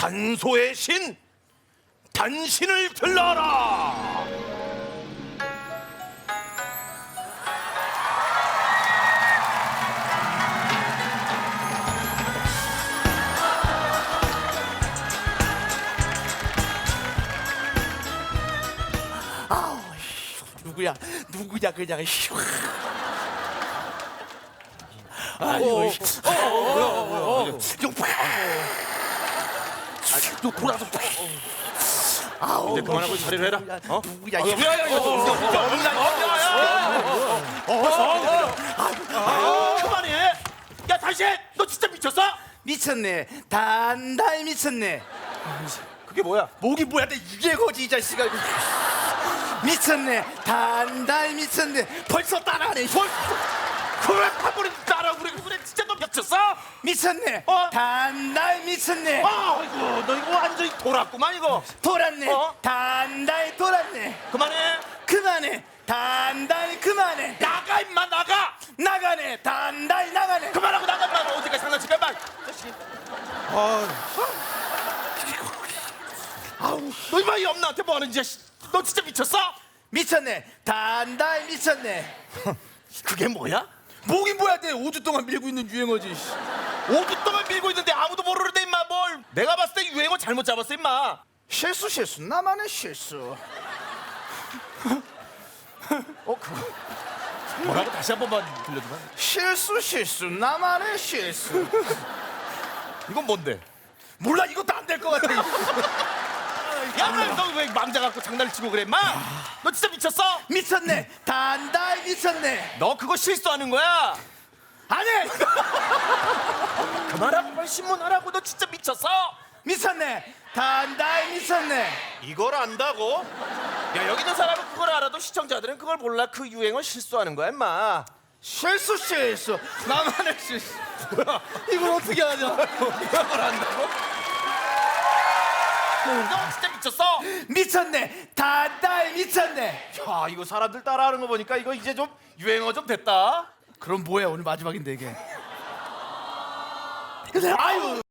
단소의 신 단신을 들러라. 누구야 그냥 아이고 너 돌아서 이제 그만하고 자리를 해라. 누구야 그만해. 야 당신 너 진짜 미쳤어? 미쳤네 단단히 미쳤네 그게 뭐야? 목이 뭐야 내 유괴거지 이 자식아 미쳤네 단단히 미쳤네 벌써 따라하네 그래 한 번에 따라 그래 진짜 너 미쳤어? 미쳤네 단단히 미쳤네 아이고 너 이거 완전히 돌았구만 이거. 돌았네 어? 단단히 돌았네 그만해. 단단히 그만해 나가 임마 나가. 나가네 단단히 나가네 그만하고 나가 임마. 어디까지 장난칠까 임마. 아우 너 임마 이 엄마한테 뭐 하는 짓이야. 너 진짜 미쳤어? 미쳤네 단단히 미쳤네 그게 뭐야? 목이 뭐야 내 5주 동안 밀고 있는 유행어지 5주 동안 밀고 있는데 아무도 모르는데 임마 뭘. 내가 봤을 때 유행어 잘못 잡았어 임마. 실수 나만의 실수 뭐라고 다시 한 번만 들려주면. 실수 나만의 실수 이건 뭔데? 몰라 이것도 안 될 것 같아 야 너 왜 망자 갖고 장난을 치고 그래 임마. 너 진짜 미쳤어? 미쳤네 단단히 미쳤네 너 그거 실수하는 거야. 안해 그만하고 빨리 신문하라고. 너 진짜 미쳤어? 미쳤네 단단히 미쳤네 이걸 안다고? 야 여기 있는 사람은 그걸 알아도 시청자들은 그걸 몰라. 그 유행어 실수하는 거야 임마. 실수 나만의 실수 뭐야 이걸 어떻게 하냐 이걸 안다고? 너 진짜 미쳤어? 미쳤네 단단히 미쳤네 야 이거 사람들 따라하는 거 보니까 이거 이제 좀 유행어 좀 됐다. 그럼 뭐야 오늘 마지막인데 이게 아유